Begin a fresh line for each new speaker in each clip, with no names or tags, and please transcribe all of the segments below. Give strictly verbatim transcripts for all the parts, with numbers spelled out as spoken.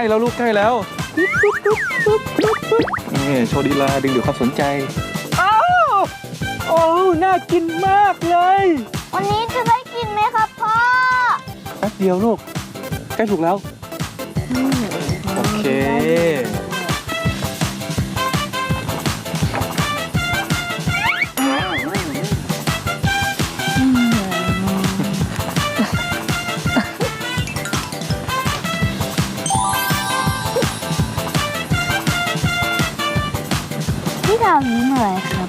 ล้แล้วลูกใกล้แล้วนี่โชว์ดีลาดึงดูดความสนใจอ้าวโอ้น่ากินมากเลย
วันนี้จะได้กินไหมครับพ่อ
แป๊บเดียวลูกใกล้ถูกแล้วโอเค
พี่ดาวยิ้มอะไรครับ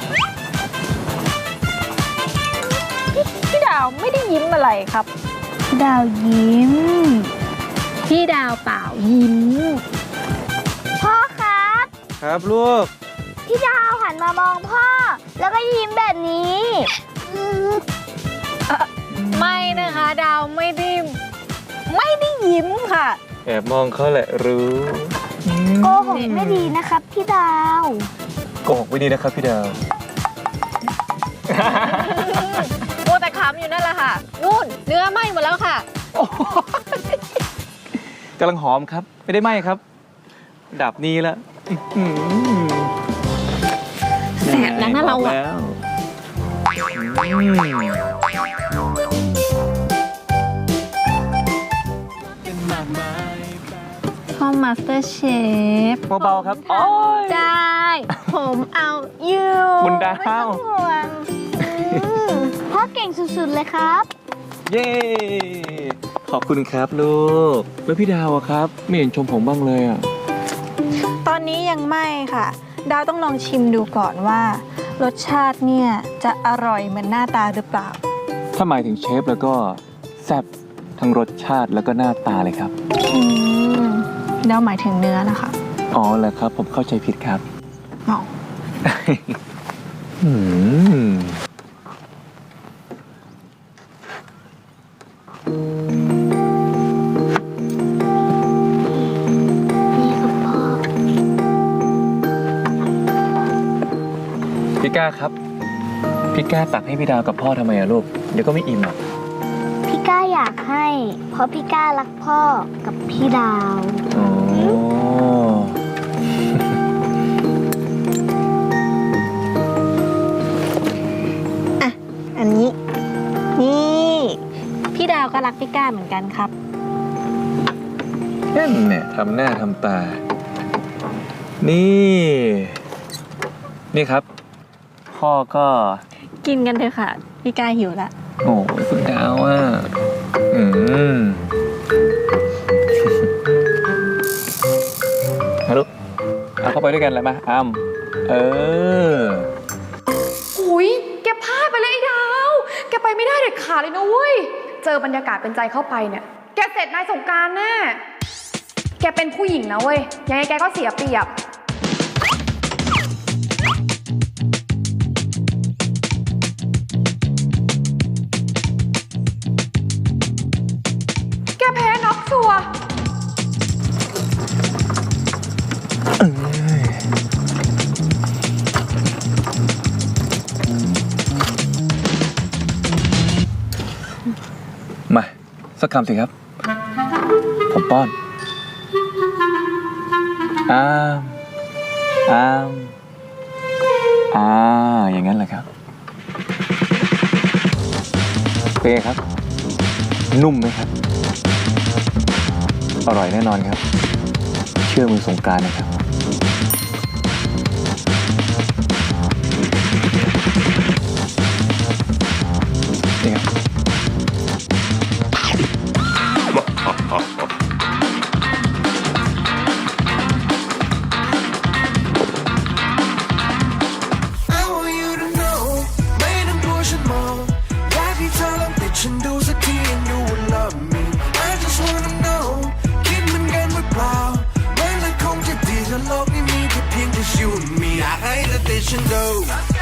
พี่ดาวไม่ได้ยิ้มอะไรครับ
พี่ดาวยิ้ม
พี่ดาวเปล่ายิ้ม
พ่อครับ
ครับลูก
พี่ดาวหันมามองพ่อแล้วก็ยิ้มแบบนี้
ไม่นะคะดาวไม่ได้ไม่ได้ยิ้มค่ะ
แอบมองเขาแหละรู้
โกหกไม่ดีนะครับพี่ดาว
โกหกไม่ดีนะครับพี่ดาว
โอ้แต่ขำอยู่นั่นแหละค่ะนู่นเนื้อไหม้หมดแล้วค่ะ
กำลังหอมครับไม่ได้ไหม้ครับดับนี้แล้ว
แสบนะน่าเราอ่ะพ่อมาสเตอร์เชฟ
เบาๆครับ
ได้ผมเอาอยู่
บุญดาว
พ่อเก่งสุดๆเลยครับ
เย้ขอบคุณครับลูกแล้วพี่ดาวอะครับไม่เห็นชมผมบ้างเลยอะ
ตอนนี้ยังไม่ค่ะดาวต้องลองชิมดูก่อนว่ารสชาติเนี่ยจะอร่อยเหมือนหน้าตาหรือเปล่า
ถ้าหมายถึงเชฟแล้วก็แซ่บทั้งรสชาติแล้วก็หน้าตาเลยครับ
อืมดาวหมายถึงเนื้อนะคะ
อ๋อเหรอครับผมเข้าใจผิดครับ
อ๋อ
อืมพี่ก้าครับพี่ก้าตักให้พี่ดาวกับพ่อทำไมอะลูกเดี๋ยวก็ไม่อิ่มหรอก
พี่ก้าอยากให้เพราะพี่ก้ารักพ่อกับพี่ดาว
อ๋อ
อ่ะอันนี้นี่พี่ดาวก็รักพี่ก้าเหมือนกันครับ
นั่นเนี่ยทำหน้าทำตานี่นี่ครับพ่อก็
กินกันเถอะค่ะพี่ก้าหิวละ
โอ้ยคุณดาวอ่ะอืมมาลูกเอาเข้าไปด้วยกันเลยมาอ้ำเออ
หุยแกพลาดไปเลยไอ้ดาวแกไปไม่ได้เด็ดขาดเลยนะเว้ยเจอบรรยากาศเป็นใจเข้าไปเนี่ยแกเสร็จนายสงกรานต์แน่แกเป็นผู้หญิงนะเว้ยยังไงแกก็เสียเปรียบแพ้น็อกชัว
มาสักคำสิครับผมป้อนอ้ามอ้ามอ่าอย่างนั้นแหละครับเป็นไงครับนุ่มไหมครับอร่อยแน่นอนครับเชื่อมือสงกรานต์นะครับนี่ครับ
โลกนี้มีแค่เพียงแต่ you and me อยากให้เธอติดฉันดู